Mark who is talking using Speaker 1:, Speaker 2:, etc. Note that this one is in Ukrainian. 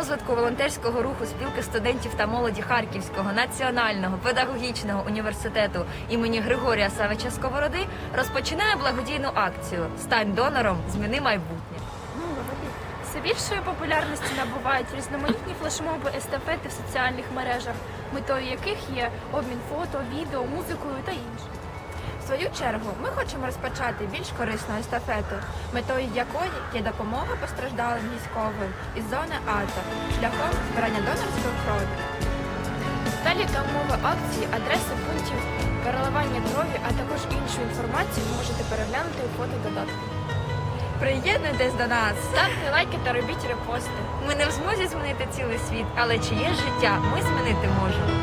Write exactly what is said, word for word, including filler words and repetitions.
Speaker 1: розвитку волонтерського руху спілки студентів та молоді Харківського національного педагогічного університету імені Григорія Савича Сковороди розпочинає благодійну акцію «Стань донором, зміни майбутнє».
Speaker 2: Все більшої популярності набувають різноманітні флешмоби, естафети в соціальних мережах, метою яких є обмін фото, відео, музикою та інше.
Speaker 3: В свою чергу ми хочемо розпочати більш корисну естафету, метою якої є допомога постраждалим військовим із зони АТО шляхом збирання донорської крові.
Speaker 2: Далі та умови акції, адреси пунктів переливання крові, а також іншу інформацію ви можете переглянути у фотододатку.
Speaker 3: Приєднуйтесь до нас!
Speaker 2: Ставте лайки та робіть репости.
Speaker 1: Ми не в змозі змінити цілий світ, але чиє життя ми змінити можемо.